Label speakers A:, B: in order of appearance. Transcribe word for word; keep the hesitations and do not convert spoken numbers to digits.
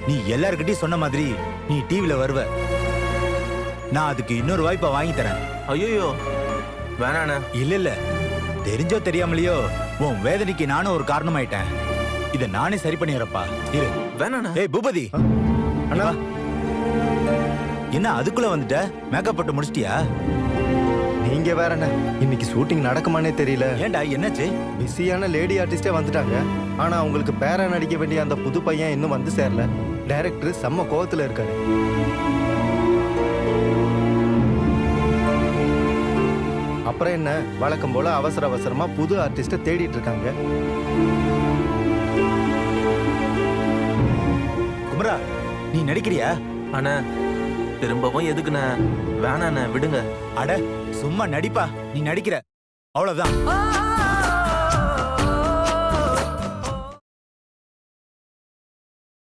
A: நீ எல்லார்கிட்டயும் சொன்ன மாதிரி நீ டிவில வருவ. நான் அதுக்கு இன்னொரு வாய்ப்பை வாங்கி தரேன்.
B: ஐயோ வேணாண்ணே.
A: இல்ல இல்ல, தெரிஞ்சோ தெரியாமலையோ உன் வேதனைக்கு நானும் ஒரு காரணமாயிட்டேன். இத நானே சரி பண்ணிடுறப்பா. இரு.
B: வேணாண்ணே.
A: ஏய் பூபதி,
C: அண்ணா
A: என்ன அதுக்குள்ள வந்துட்ட? மேக்கப் போட்டு முடிச்சிட்டியா?
C: நீங்க வேற என்ன, இன்னைக்கு ஷூட்டிங் நடக்குமானே தெரியல.
A: ஏன்டா என்னாச்சு?
C: பிஸியான லேடி ஆர்டிஸ்டே வந்துட்டாங்க. ஆனா அவங்களுக்கு பேரா நடிக்க வேண்டிய அந்த புது பையன் இன்னும் வந்து சேரல. டைரக்டர் செம்ம கோவத்துல இருக்காரு. அப்புறம் என்ன, வழக்கம் போல அவசர அவசரமா புது ஆர்டிஸ்ட தேடிட்டு இருக்காங்க.
A: குமரா, நீ நடிக்கிறியா?
B: அண்ணா திரும்பவும் எதுக்குண்ணே? வேணாண்ணே, விடுங்க.
A: அட சும்மா நடிப்பா, நீ நடிக்கிற அவ்வளவுதான்.